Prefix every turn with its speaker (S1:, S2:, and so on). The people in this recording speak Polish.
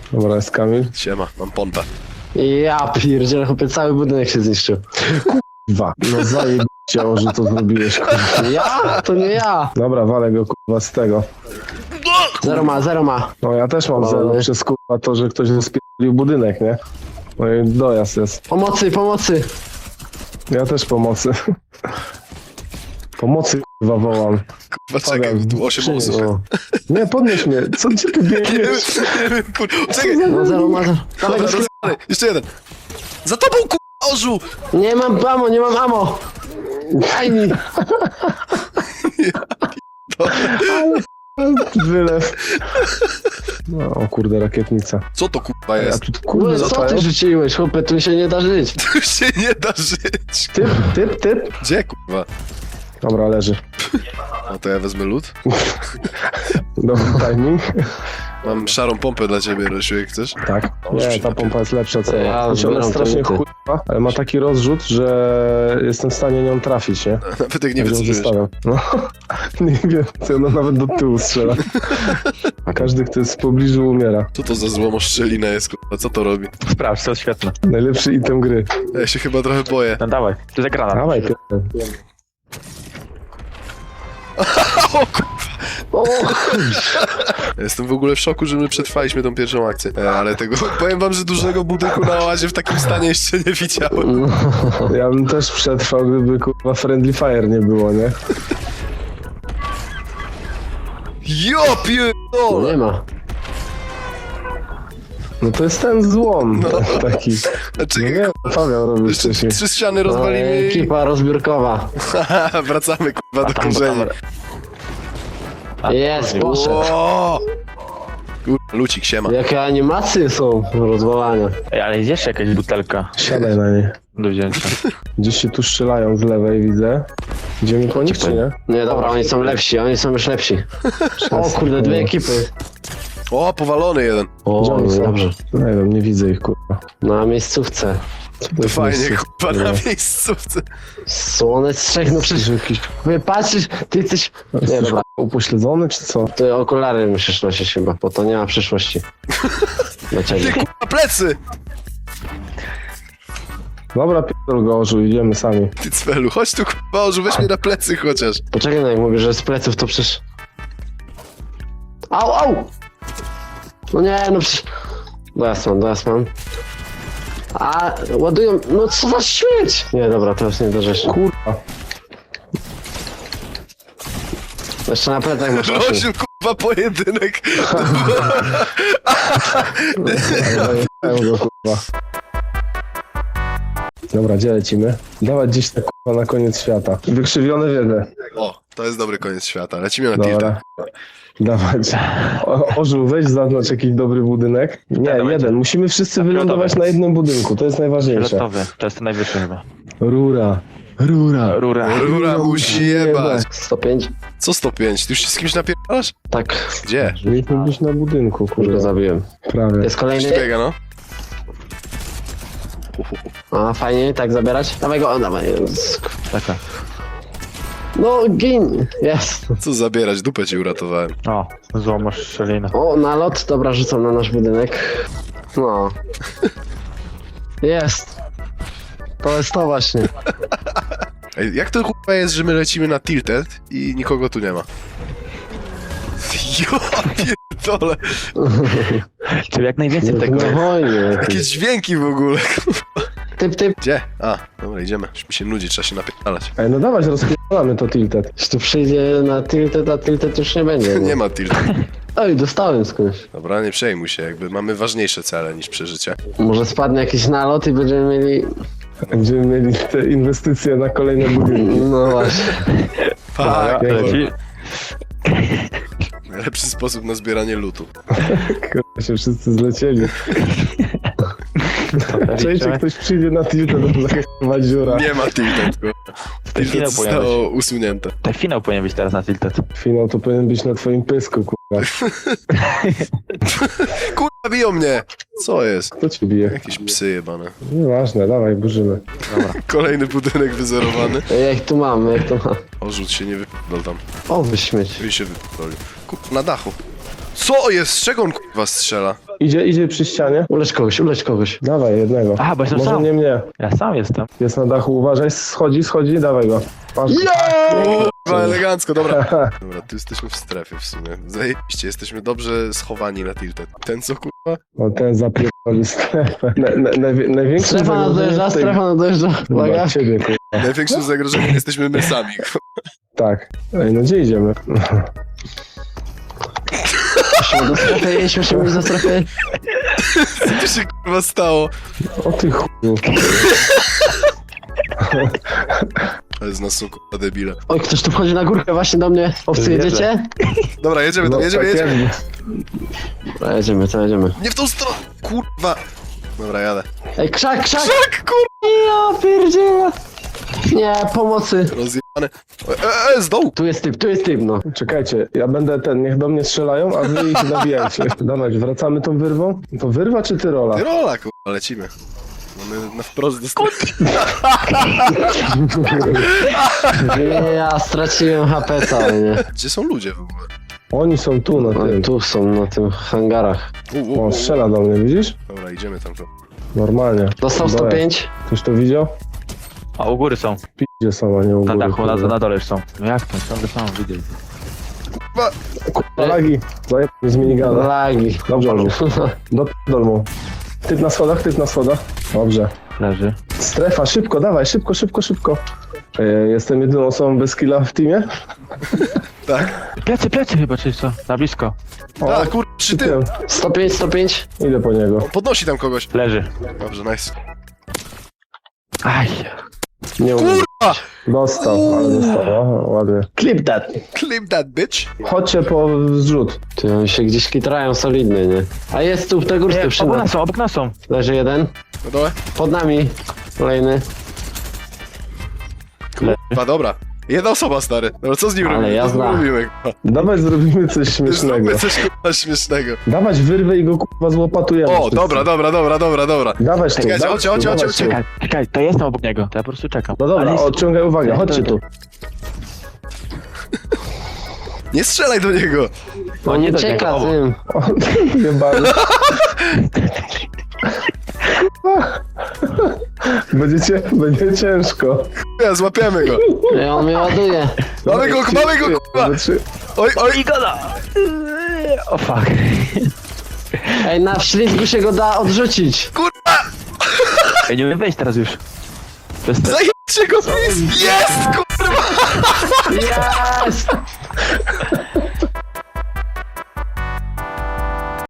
S1: Dobra, jest Kamil.
S2: Siema, mam pompę.
S3: Ja pierdzielę, chłopie, cały budynek się zniszczył.
S1: Dwa. No zajebiście, że to zrobiłeś, kurwa.
S3: Ja? To nie ja.
S1: Dobra, walę go, kurwa, z tego.
S3: Zero ma.
S1: No ja też mam zero przez, kurwa, to, że ktoś rozpierdolił budynek, nie? No i dojazd jest.
S3: Pomocy.
S1: Ja też pomocy. Pomocy, kurwa, wołam.
S2: Kurwa, czekaj, tu 8 osób.
S1: O. Nie, podnieś mnie. Co gdzie ty
S2: Nie
S1: biegniesz?
S2: wiem, kurwa. Czekaj,
S3: No zero ma. Dawaj
S2: dobra,
S3: go,
S2: rozwalę. Jeszcze jeden. Za tobą, kurwa, orzu!
S3: Nie mam ammo. Daj mi.
S1: Wylew. No, o kurde, rakietnica.
S2: Co to, kurwa,
S1: A
S2: jest?
S1: tu, kurde,
S3: No, co ty
S1: latają.
S3: rzuciłeś, chłopie, tu się nie da żyć.
S2: Tu się nie da żyć.
S1: Typ.
S2: Gdzie, kurwa?
S1: Dobra, leży.
S2: No to ja wezmę lód.
S1: Dobry timing.
S2: Mam szarą pompę dla ciebie, Rosiu, jak chcesz.
S1: Tak. Nie, ta pompa jest lepsza, co?
S3: Ja
S1: Ona
S3: zbieram
S1: jest strasznie
S3: te luty.
S1: chujowa, ale ma taki rozrzut, że jestem w stanie nią trafić, nie?
S2: Nawet jak nie
S1: Jak
S2: wiesz,
S1: ją
S2: co żyjesz.
S1: zostawiam. No, nie wiem, co ona nawet do tyłu strzela. A każdy, kto jest w pobliżu, umiera.
S2: Co to za złomoszczelina jest, kurwa? Co to robi?
S4: Sprawdź, to jest świetne.
S1: Najlepszy item gry.
S2: Ja się chyba trochę boję.
S4: No dawaj, tu jest granat.
S1: Dawaj, pierdol.
S3: O,
S2: Ja jestem w ogóle w szoku, że my przetrwaliśmy tą pierwszą akcję. Ale tego, powiem wam, że dużego budynku na oazie w takim stanie jeszcze nie widziałem.
S1: Ja bym też przetrwał, gdyby kurwa Friendly Fire nie było, nie?
S2: Jo,
S3: no
S2: pierdolę!
S3: nie ma.
S1: No to jest ten złom taki.
S2: Znaczy,
S1: No nie, Paweł robił
S2: jeszcze
S1: wcześniej.
S2: 3 ściany
S3: No,
S2: rozwalimy i...
S3: ekipa rozbiórkowa.
S2: Wracamy, kurwa, do
S4: Tam,
S2: korzeni.
S3: Jest, poszedł.
S2: O! Kurwa, lucik, siema.
S3: Jakie animacje są rozwalania.
S4: Ej, ale jest jeszcze jakaś butelka
S1: Siadaj na niej.
S4: do wzięcia.
S1: Gdzieś się tu strzelają z lewej, widzę. Idziemy po nich, czy nie?
S3: Nie, dobra, oni są lepsi, oni są już lepsi. O kurde, dwie ekipy.
S2: O, powalony jeden.
S1: Gdzie
S3: O,
S1: oni są?
S3: dobrze.
S1: Nie wiem, nie widzę ich, kurwa.
S3: Na miejscówce.
S1: Co
S2: To
S1: jest
S2: fajnie,
S1: miejsce?
S2: kurwa, na miejscówce.
S3: Słone trzech, no przecież
S1: Jakiś
S3: patrzysz, ty jesteś... Nie, dobra,
S1: upośledzony, czy co?
S3: ty okulary musisz nosić chyba, bo to nie ma przyszłości. Dla
S2: Ty,
S3: ciebie.
S2: kurwa, plecy!
S1: Dobra, pierdol go, Orzu, idziemy sami.
S2: Ty cwelu, chodź tu, kurwa, orzu, weź mnie na plecy chociaż.
S3: Poczekaj, no jak mówię, że z pleców to przecież... Au! No nie, no przecież... Dojazd mam. A, ładują... No co za śmieć! Nie, dobra, to już nie do rzeczy.
S1: Kurwa.
S3: Jeszcze na plecach masz oczy.
S2: Rosiu, kurwa, pojedynek.
S1: Ale zajechają go, kurwa. Dobra, gdzie lecimy? Dawać gdzieś tak, kurwa, na koniec świata. Wykrzywione wiedle.
S2: O, to jest dobry koniec świata. Lecimy na tilta.
S1: Dobra. Dawać. Orzu, weź zaznacz jakiś dobry budynek. Nie,
S4: Dawaj.
S1: jeden. Musimy wszyscy wylądować na jednym budynku. To jest najważniejsze.
S4: Fioletowy, to jest ten najwyższy chyba.
S1: Rura.
S4: Rura.
S2: Rura musi jebać.
S3: 105?
S2: Co 105? Ty już się z kimś napierdalasz?
S3: Tak,
S2: Gdzie?
S1: Mieliśmy być na budynku,
S3: już go
S1: kurwa.
S3: zabiłem.
S1: Prawie.
S3: Jest kolejny?
S2: Biega, no.
S3: A, fajnie, tak zabierać? Dawaj go, o, dawaj.
S4: Taka.
S3: No, gin! Jest.
S2: Co zabierać? Dupę ci uratowałem.
S4: O, złomasz szczelinę.
S3: O, nalot, dobra, rzucam na nasz budynek. No. Jest. To jest to właśnie.
S2: Ej, jak to kurwa jest, że my lecimy na tilted i nikogo tu nie ma? Jo, pierdolę.
S4: Czyli jak najwięcej
S3: Tak
S4: tego
S3: na
S4: jest.
S3: wojnie.
S2: Jakie dźwięki w ogóle.
S3: Typ.
S2: Gdzie? A, dobra, idziemy. Już mi się nudzi, trzeba się napierdalać.
S1: Ej, no dawać, rozpierdolamy to tilted.
S3: Jeśli tu przyjdzie na tilted, a tilted już nie będzie.
S2: Nie ma tilted.
S3: Oj, dostałem skądś.
S2: Dobra, nie przejmuj się, jakby mamy ważniejsze cele niż przeżycie.
S3: Może spadnie jakiś nalot i będziemy mieli...
S1: Będziemy mieli te inwestycje na kolejne budynki.
S3: No właśnie.
S2: Tak,
S4: Leci.
S2: najlepszy sposób na zbieranie lutu.
S1: Kurwa, się wszyscy zlecieli. Czekajcie, ktoś przyjdzie na tilted, to zakrywa dziura.
S2: Nie ma tilted, kurwa.
S4: Ten
S2: Tilted
S4: finał powinien być.
S2: zostało usunięte.
S4: Ten finał powinien być teraz na tilted.
S1: Finał to powinien być na twoim pysku, kurwa.
S2: Kurwa, biją mnie! Co jest?
S1: Kto ci bije?
S2: Jakieś psy jebane.
S1: Nieważne, dawaj, burzymy.
S2: Kolejny budynek wyzerowany.
S3: Jak tu mam.
S2: Orzuć się, nie wypierdol tam.
S3: O, wyśmieć.
S2: I się wypierdolił. Kurwa, na dachu. Co jest? Z czego on kurwa strzela?
S1: Idzie przy ścianie.
S3: Ulecz kogoś.
S1: Dawaj, jednego.
S4: Aha, bo jestem
S1: Może
S4: sam.
S1: nie mnie.
S4: Ja sam jestem.
S1: Jest na dachu, uważaj, schodzi, dawaj go. Masz go.
S2: Kurwa, elegancko, dobra. Dobra, tu jesteśmy w strefie w sumie. Zajebiście, jesteśmy dobrze schowani na tilted. Ten co kurwa?
S1: O, ten zapierdoli strefę. Największy
S3: Strefa nadjeżdża, Uwaga.
S1: Chyba ciebie, kurwa.
S2: Największym zagrożeniem jesteśmy my sami.
S1: Tak. Ej, no gdzie idziemy?
S3: Musimy do strefy jeść, musimy iść do strefy.
S2: Co tu się kurwa stało?
S1: O ty chuju.
S2: Ale z nas są kurwa debile.
S3: Oj, ktoś tu wchodzi na górkę właśnie do mnie. Owcy,
S4: Wierzę.
S3: jedziecie?
S2: Dobra, jedziemy tam,
S1: No,
S2: jedziemy.
S1: tak
S3: To jedziemy.
S2: Nie w tą stronę, kurwa. Dobra, jadę.
S3: Ej, krzak!
S2: Krzak, kurwa,
S3: Ja pierdzielę! Nie, pomocy.
S2: rozjebane. Z dołu.
S3: Tu jest typ, no.
S1: Czekajcie, ja będę niech do mnie strzelają, a wy ich nabijajcie. Dawaj, wracamy tą wyrwą? To wyrwa czy tyrola?
S2: Tyrola, kurwa, lecimy. Mamy na wprost do strefy.
S3: Ja straciłem HP cały, nie?
S2: Gdzie są ludzie w ogóle?
S1: Oni są tu na tym.
S3: Tu są, na tym hangarach.
S1: O, strzela do mnie, widzisz?
S2: Dobra, idziemy tam to.
S1: Normalnie.
S3: Dostał
S1: Dole.
S3: 105.
S1: Ktoś to widział?
S4: A u góry są.
S1: Gdzie są, a nie u
S4: Na
S1: góry.
S4: dachu,
S1: kurwa.
S4: na dole już są. No jak to? Ciągle sam widzę.
S1: Kurwa, lagi. Zajeb mnie z minigana.
S3: Lagi.
S1: Dobrze, do dolmu. Typ na schodach. Dobrze.
S4: Leży.
S1: Strefa, szybko, dawaj, szybko. Jestem jedyną osobą bez killa w teamie.
S2: Tak?
S4: Plecy chyba, czy co? Na blisko.
S2: A, kurwa, przy tym.
S3: 105.
S1: Idę po niego.
S2: Podnosi tam kogoś.
S4: Leży.
S2: Dobrze, nice.
S4: Aj.
S1: Nie umiem.
S2: Kurwa!
S1: Dostał, ale dostał. O, ładnie.
S3: Clip that.
S2: Clip that bitch.
S1: Chodźcie po zrzut.
S3: Ty, oni się gdzieś kitrają solidnie, nie? A jest tu w tej górce przy nas.
S4: Obok nas są.
S3: Leży jeden.
S2: Na dole?
S3: Pod nami. Kolejny.
S2: Kurwa, dobra. Jedna osoba, stary. Dobra, co z nim
S3: Ale
S2: robimy? Co z nim
S3: jazda.
S2: robimy, kurwa?
S1: Dawaj, zrobimy coś śmiesznego.
S2: Zróbmy coś, kurwa, śmiesznego.
S1: Dawać wyrwę i go kurwa złopatujemy.
S2: O,
S1: wszyscy.
S2: dobra.
S1: Dawać tu,
S2: Czekajcie,
S1: dawać
S2: chodźcie.
S1: tu, dawać tu.
S4: Czekaj, to jestem obok niego. To ja po prostu czekam.
S1: No dobra,
S4: Ale jest-
S1: odciągaj uwagę, chodźcie tu.
S2: Nie strzelaj do niego.
S3: On nie
S4: do
S3: ucieka
S4: niego.
S3: tym.
S1: O, jebany. Będzie ciężko.
S2: Ja, złapiemy go.
S3: Ej, on mnie ładuje.
S2: Mamy go, kurwa. Oj.
S4: Igoda! O fuck.
S3: Ej, na wślizgu się go da odrzucić.
S2: Kurwa,
S4: Ja nie umiem wejść teraz już. To jest
S2: zajęcie go, please. Jest, kurwa.
S3: Jest!